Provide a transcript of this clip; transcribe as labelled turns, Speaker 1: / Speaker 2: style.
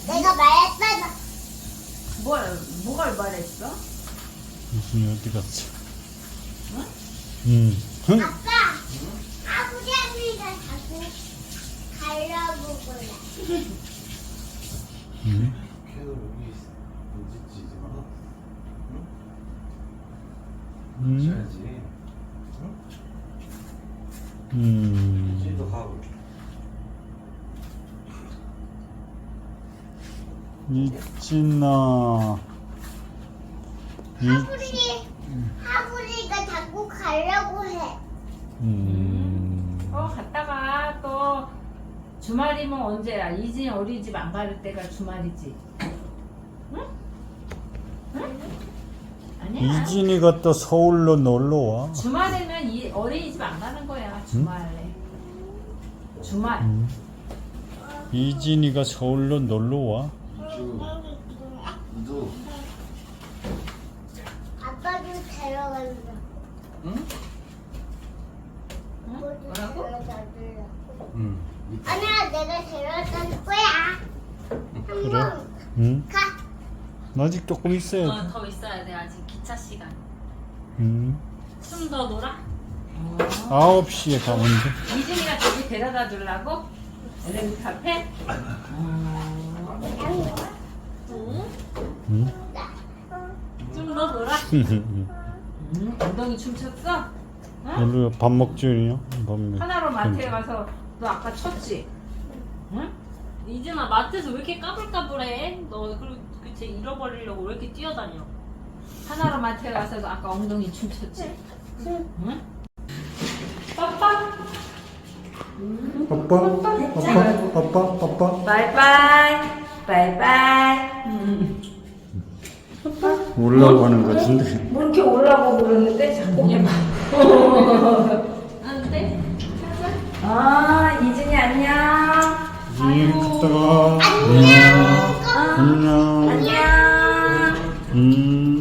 Speaker 1: 내가 말했잖아.
Speaker 2: 뭐가 말했어?
Speaker 3: 이준이 어디 갔지?
Speaker 2: 응?
Speaker 3: 응?
Speaker 1: 아빠, 아버지 언니가 자꾸 가려고 그래.
Speaker 3: 응?
Speaker 4: 걔도 여기 있지 이제
Speaker 3: 응?
Speaker 4: 쉬어야지. 응? 쟤도
Speaker 3: 응?
Speaker 4: 가고.
Speaker 3: 이진아
Speaker 1: 하부리가 자꾸 가려고 해.
Speaker 2: 갔다가 또 주말이면 언제야? 이진이 어린이집 안 갈 때가 주말이지. 응? 응? 아니야.
Speaker 3: 이진이가 또 서울로 놀러와.
Speaker 2: 주말에는 이 어린이집 안 가는 거야. 주말에. 주말.
Speaker 3: 이진이가 서울로 놀러와.
Speaker 4: 이도.
Speaker 1: 아빠도 데려간다.
Speaker 4: 응?
Speaker 2: 응?
Speaker 1: 아빠도
Speaker 2: 뭐라고?
Speaker 1: 데려다줄래.
Speaker 4: 응.
Speaker 1: 아니야, 내가 데려다 거야.
Speaker 3: 그래?
Speaker 1: 한번
Speaker 3: 응?
Speaker 1: 가.
Speaker 3: 아직 조금 있어야 돼.
Speaker 2: 더 있어야 돼. 아직 기차 시간.
Speaker 3: 응?
Speaker 2: 좀 더 놀아?
Speaker 3: 9시에 가면 돼.
Speaker 2: 이진이가 저기 데려다 주려고? 엘리베이터 앞에?
Speaker 3: 응?
Speaker 2: 좀 더 놀아? 엉덩이 춤췄어? 응?
Speaker 3: 우리가 밥 먹줄이요? 밥 먹.
Speaker 2: 하나로 마트에 가서 너 아까 쳤지? 응?
Speaker 5: 이진아 마트에서 왜 이렇게 까불까불해? 너 그쟤 잃어버리려고 왜 이렇게 뛰어다녀?
Speaker 2: 하나로 마트에 가서 너 아까 엉덩이 춤췄지? 응? 빠빠
Speaker 3: 아빠.
Speaker 2: 바이바이 바이바이
Speaker 3: 올라가는 것 같은데.
Speaker 2: 뭐 이렇게 올라고 그러는데 자꾸
Speaker 5: 안 돼?
Speaker 2: 아 이진이 안녕
Speaker 3: 이진이 갔다가. 안녕.
Speaker 2: 안녕
Speaker 3: 음.